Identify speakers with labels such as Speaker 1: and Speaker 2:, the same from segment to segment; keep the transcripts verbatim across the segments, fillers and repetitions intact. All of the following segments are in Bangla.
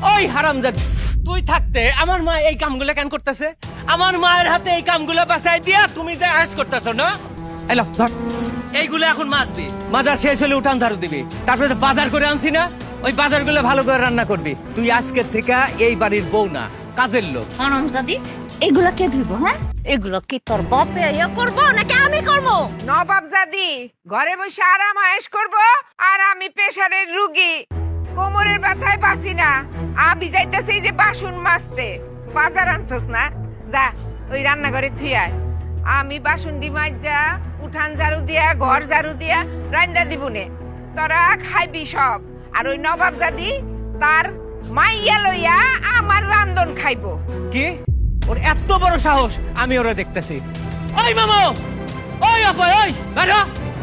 Speaker 1: ওই হারামজাদি, তুই থাকতে আমার মা এই কামগুলো কেন করতেছে? আমার মায়ের হাতে এই কামগুলো বাঁচাই দিয়া তুমি যে আশ করতেছ না? এলো ধর, এইগুলো এখন মাছবি, মাজা শেষ হলে উঠান ঝাড়ু দিবি, তারপরে তো বাজার করে আনছি না, ওই বাজারগুলো ভালো করে রান্না করবি। তুই আজকের থেকে এই বাড়ির বউ না, কাজের লোক।
Speaker 2: হারামজাদি, এগুলা কে ধুইব? হ্যাঁ, এগুলো কি তোর বাপে ইয়া করবো নাকি আমি করবো?
Speaker 3: নবাবজাদি ঘরে বসে আরাম আয়েশ করবো আর আমি প্রেসারের রুগী, কোমরের ব্যথায় বাঁচি না। আমি যাইতেছি যে বাসন মাজতে। বাজার আনছস না, যা ওই রান্নাঘরে থুই আয়। আমি বাসন ডি মাজা, উঠান ঝাড়ু দিয়া, ঘর ঝাড়ু দিয়া রান্না দিবনে। তোরা খাইবি সব। আর ওই নবাবজাদি তার মাইয়া লইয়া আমার রান্ধন খাইবো।
Speaker 1: কি ওর এত বড় সাহস? আমি ওরা দেখতেছি। ওই মামা, ওই আপা, ওই বেরো।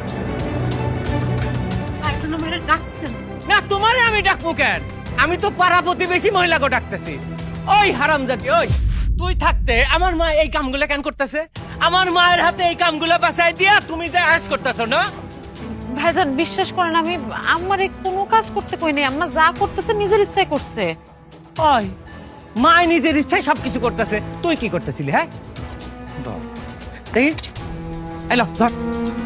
Speaker 1: না তোমারে আমি ডাকবো কেন? আমি তো পাড়া প্রতিবেশী মহিলাকে ডাকতেছি। ওই হারামজাদি, ওই তুই থাকতে আমার মা এই কামগুলো কেন করতেছে? আমার মায়ের হাতে এই কামগুলো বাঁচাই দিয়া তুমি যে আশ করতেছ না?
Speaker 4: ভাইজান বিশ্বাস করেন, আমি আমারে কোনো কাজ করতে কই নাই। আম্মা যা করতেছে নিজের ইচ্ছায় করছে।
Speaker 1: ওই মা নিজের ইচ্ছায় সবকিছু করতেছে, তুই কি করতেছিলি? হ্যাঁ ধর, দেখি এলো ধর,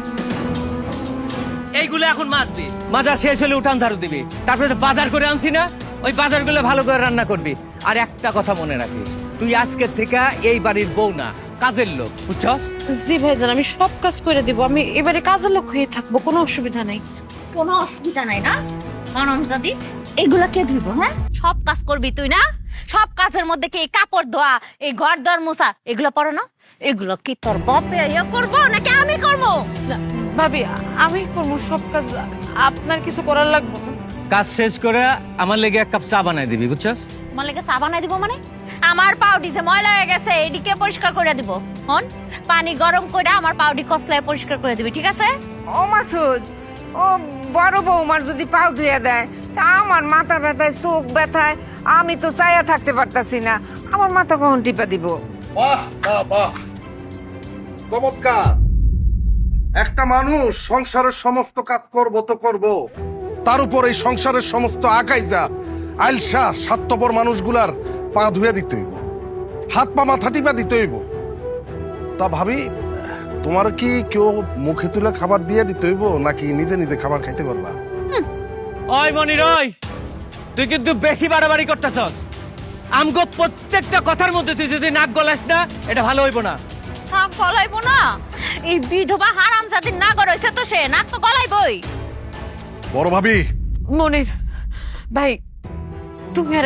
Speaker 1: এইগুলো এখন মাছবি, মাজা শেষ হলে উঠান ঝাড়ু দিবি, তারপরে তো বাজার করে আনছি না, ওই বাজারগুলো ভালো করে রান্না করবি। আর একটা কথা মনে রাখিস, তুই আজকের থেকে এই বাড়ির বউ না, কাজের লোক, বুঝছস?
Speaker 4: জি ভাইজান, আমি সব কাজ করে দিব। আমি এবারে কাজের লোক হয়ে থাকবো, কোনো অসুবিধা নাই।
Speaker 2: কোনো অসুবিধা নাই না? হারামজাদি, এগুলা কে ধুইব? হ্যাঁ, সব কাজ করবি তুই না? সব কাজের মধ্যে কি এই কাপড় ধোয়া, এই ঘর দর মোছা, এগুলো পড়ো না? এগুলো কি তোর বাপে ইয়া করবো নাকি আমি করবো?
Speaker 4: না, ভাবি আমি করবো সব কাজ, আপনার কিছু করার লাগবে না।
Speaker 1: কাজ শেষ করে আমার লেগে এক কাপ চা বানাই দিবি, বুঝছস?
Speaker 2: তোমার লেগে চা বানাই দিব মানে? আমার পাউডি যে ময়লা হয়ে গেছে এদিকে পরিষ্কার করে দিব। হন, পানি গরম করে আমার পাউডি কসলায় পরিষ্কার করে দিবি, ঠিক আছে?
Speaker 3: ও মাসুদ, ও বড় বৌমার যদি পাও ধুয়ে দেয় তা আমার মাথা ব্যথায়, চোখ ব্যথায় আমি তো চাইয়া থাকতে পারতাছি না। আমার মাথা কখন টিপা দিব?
Speaker 5: বাহ বাহ বাহ, চমৎকার। একটা মানুষ সংসারের সমস্ত কাজ করব তো করব, তার উপর এই সংসারের সমস্ত আকাইজা আইলসা স্বার্থপর মানুষগুলার পা ধুয়ে দিতে হইব, হাত পা মাথা টিপা দিতে হইব। তা ভাবি, তোমার কি কেউ মুখে তুলে খাবার দিয়ে দিতে হইব নাকি নিজে নিজে খাবার খাইতে পারবা?
Speaker 1: ওই মনির, ওই তুই কিন্তু বেশি বাড়াবাড়ি করতেছস। আমগো প্রত্যেকটা কথার মধ্যে তুই যদি নাক গলাস না, এটা ভালো হইব না।
Speaker 2: নাক গলাইবো না? এই বিধবা হারামজাদির নাক রইছে তো, সে নাক তো গলাইবই।
Speaker 5: বড় ভাবি,
Speaker 4: মনির ভাই, তুমি আর